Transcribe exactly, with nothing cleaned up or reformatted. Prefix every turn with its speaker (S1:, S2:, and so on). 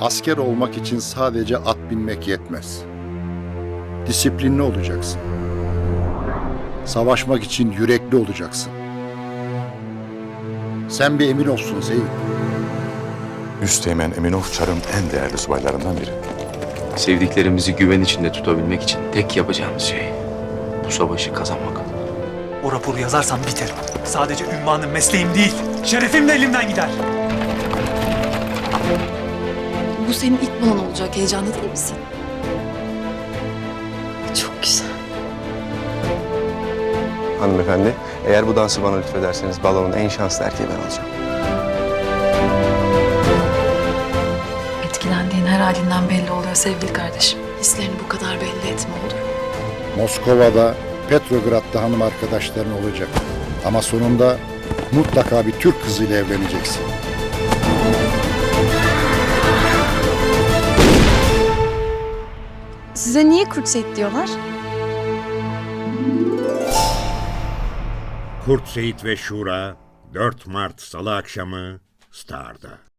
S1: Asker olmak için sadece at binmek yetmez. Disiplinli olacaksın. Savaşmak için yürekli olacaksın. Sen bir emin olsun Seyit.
S2: Üsteğmen Eminov Çar'ın en değerli subaylarından biri.
S3: Sevdiklerimizi güven içinde tutabilmek için tek yapacağımız şey bu savaşı kazanmak.
S4: O raporu yazarsam biterim. Sadece ünvanım, mesleğim değil, şerefim de elimden gider.
S5: Bu senin ilk balon olacak. Heyecanlı değil misin? Çok güzel.
S6: Hanımefendi, eğer bu dansı bana lütfederseniz balonun en şanslı erkeği ben olacağım.
S5: Etkilendiğin her halinden belli oluyor sevgili kardeşim. Hislerini bu kadar belli etme olur mu?
S1: Moskova'da, Petrograd'da hanım arkadaşların olacak. Ama sonunda mutlaka bir Türk kızıyla evleneceksin.
S7: Size niye Kurt Seyit diyorlar?
S8: Kurt Seyit ve Şura dört Mart Salı akşamı Star'da.